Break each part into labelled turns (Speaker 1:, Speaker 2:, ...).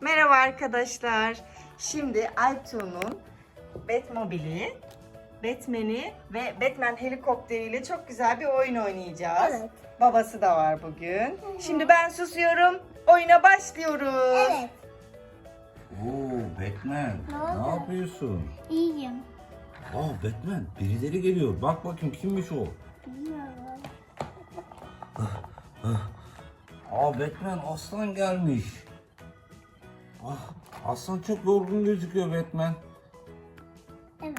Speaker 1: Merhaba arkadaşlar. Şimdi Aytuğ'un Batmobile'i, Batman'i ve Batman helikopteriyle çok güzel bir oyun oynayacağız.
Speaker 2: Evet.
Speaker 1: Babası da var bugün. Şimdi ben susuyorum. Oyuna başlıyoruz.
Speaker 2: Evet.
Speaker 3: Oo Batman,
Speaker 2: Ne oldu?
Speaker 3: ne yapıyorsun?
Speaker 2: İyiyim.
Speaker 3: Aa Batman, birileri geliyor. Bak bakayım kimmiş o?
Speaker 2: Bilmiyorum.
Speaker 3: Aa Batman, aslan gelmiş. Ah, aslan çok yorgun gözüküyor Batman.
Speaker 2: Evet.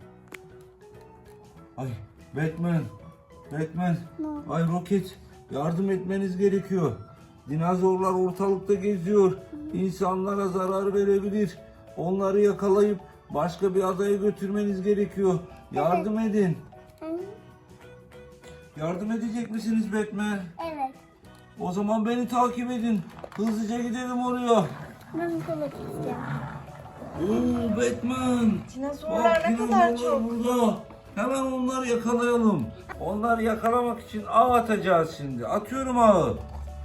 Speaker 3: Ay Batman, Batman.
Speaker 2: Ne oldu?
Speaker 3: Ay Roket, yardım etmeniz gerekiyor. Dinozorlar ortalıkta geziyor. İnsanlara zarar verebilir. Onları yakalayıp başka bir adaya götürmeniz gerekiyor. Yardım edin. Yardım edecek misiniz Batman?
Speaker 2: Evet.
Speaker 3: O zaman beni takip edin. Hızlıca gidelim oraya.
Speaker 2: Ben kola içeceğim.
Speaker 3: Oo Batman.
Speaker 1: Dinozorlar
Speaker 3: Bak,
Speaker 1: ne kadar
Speaker 3: dinozorlar
Speaker 1: çok.
Speaker 3: burada. Hemen onları yakalayalım. Onları yakalamak için ağ atacağız şimdi. Atıyorum ağı.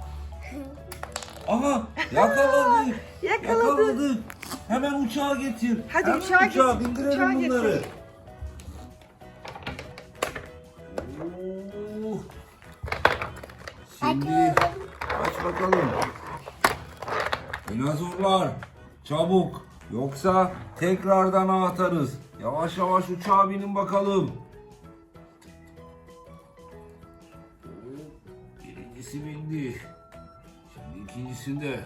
Speaker 3: Aha yakaladık.
Speaker 1: Yakaladık.
Speaker 3: Hemen uçağa getir.
Speaker 1: Hadi
Speaker 3: Hemen
Speaker 1: uçağa getir,
Speaker 3: bindirelim
Speaker 1: uçağa getir.
Speaker 3: bunları. Oo. Şimdi aç bakalım. Dinozorlar çabuk. Yoksa tekrardan ağ atarız. Yavaş yavaş uçağa binin bakalım. Birincisi bindi. Şimdi ikincisinde.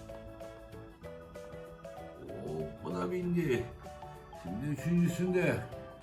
Speaker 3: Bu da bindi. Şimdi üçüncüsünde.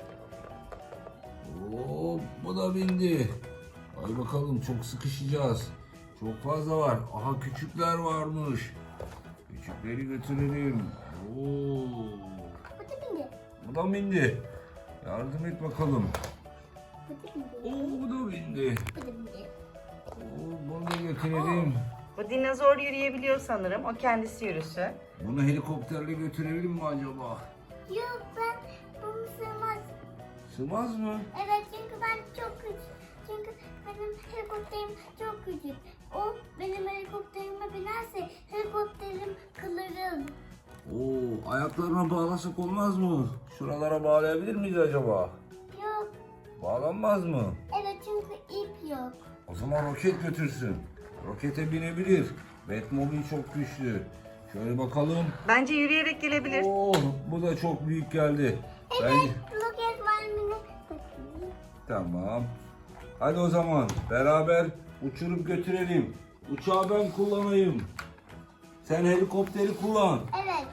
Speaker 3: Bu da bindi. Hadi bakalım, çok sıkışacağız. Çok fazla var. Aha küçükler varmış. Küçükleri götürelim. Oo.
Speaker 2: Bu da bindi.
Speaker 3: Bu da bindi. Yardım et bakalım.
Speaker 2: Bu da bindi.
Speaker 3: Oo, bu da bindi.
Speaker 2: Bu da bindi.
Speaker 3: Oo, bunu da götürelim.
Speaker 1: Bu dinozor yürüyebiliyor sanırım. O kendisi yürüsün.
Speaker 3: Bunu helikopterle götürelim mi acaba?
Speaker 2: Yok, ben bunu sığmaz.
Speaker 3: Sığmaz mı?
Speaker 2: Evet, çünkü ben çok küçük. Çünkü benim helikopterim çok küçük. O benim helikopterime binerse helikopterim kırılır.
Speaker 3: Oo, ayaklarına bağlasak olmaz mı? Şuralara bağlayabilir miyiz acaba?
Speaker 2: Yok.
Speaker 3: Bağlanmaz mı?
Speaker 2: Evet, çünkü ip yok.
Speaker 3: O zaman roket götürsün. Rokete binebilir. Batmobile çok güçlü. Şöyle bakalım.
Speaker 1: Bence yürüyerek gelebilir.
Speaker 3: Oo, bu da çok büyük geldi.
Speaker 2: Evet, roket var mı?
Speaker 3: Tamam. Hadi o zaman beraber uçurup götürelim. Uçağı ben kullanayım. Sen helikopteri kullan.
Speaker 2: Evet.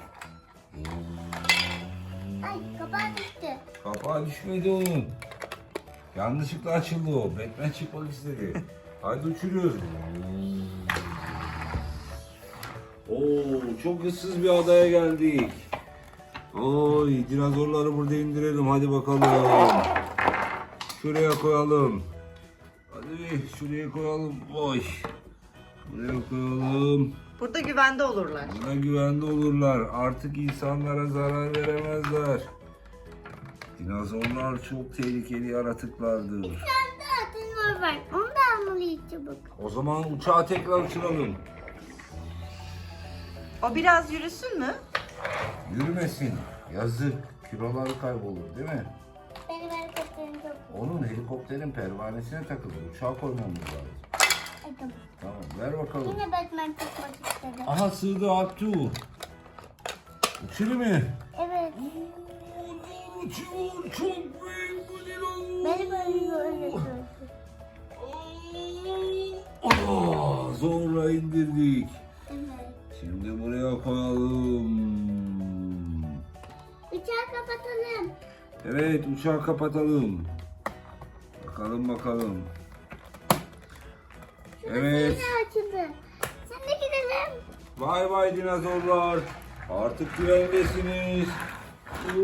Speaker 2: Ay, kapağı düştü.
Speaker 3: Kapağı düşmedi onun. Yanlışlıkla açıldı o. Batman çıkmak istedi. Hadi uçuruyoruz. Oo, çok ıssız bir adaya geldik. Oy, dinozorları burada indirelim. Hadi bakalım. Şuraya koyalım. Hadi şuraya koyalım. Oy. Buraya koyalım.
Speaker 1: Burada güvende olurlar.
Speaker 3: Burada güvende olurlar. Artık insanlara zarar veremezler. Dinozorlar çok tehlikeli yaratıklardır.
Speaker 2: Bir tane daha dinozor var. Onu da almalıyız çabuk.
Speaker 3: O zaman uçağı tekrar uçuralım.
Speaker 1: O biraz yürüsün mü?
Speaker 3: Yürümesin. Yazık. Kiloları kaybolur değil mi?
Speaker 2: Benim helikopterim çok.
Speaker 3: Onun helikopterin pervanesine takılır. Uçağa koymamız lazım.
Speaker 2: Ay, tamam.
Speaker 3: Tamam, ver bakalım.
Speaker 2: Yine Batman çıkmak istedi.
Speaker 3: Aha, sığdı Abdü. Uçuyor mu?
Speaker 2: Evet.
Speaker 3: Uçuyor. Çok büyük bu dinozor.
Speaker 2: Beni böyle öyle gördü.
Speaker 3: Zorla indirdik.
Speaker 2: Evet.
Speaker 3: Şimdi buraya koyalım.
Speaker 2: Uçağı kapatalım.
Speaker 3: Evet, uçağı kapatalım. Bakalım. Evet.
Speaker 2: Yine açıldı. Sen de gidelim.
Speaker 3: Vay vay dinozorlar. Artık güvendesiniz. Oo.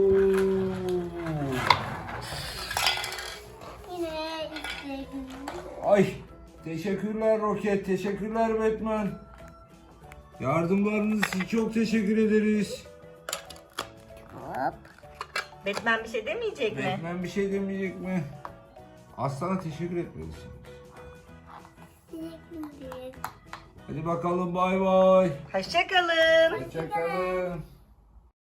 Speaker 2: Yine istedim.
Speaker 3: Ay, teşekkürler Roket, teşekkürler Batman. Yardımlarınız için çok teşekkür ederiz.
Speaker 2: Hop.
Speaker 1: Batman bir şey demeyecek mi?
Speaker 3: Batman bir şey demeyecek mi? Aslana teşekkür etmelisin.
Speaker 2: Teşekkür ederim.
Speaker 3: Hadi bakalım bay bay.
Speaker 1: Hoşça kalın.
Speaker 3: Hoşçakalın.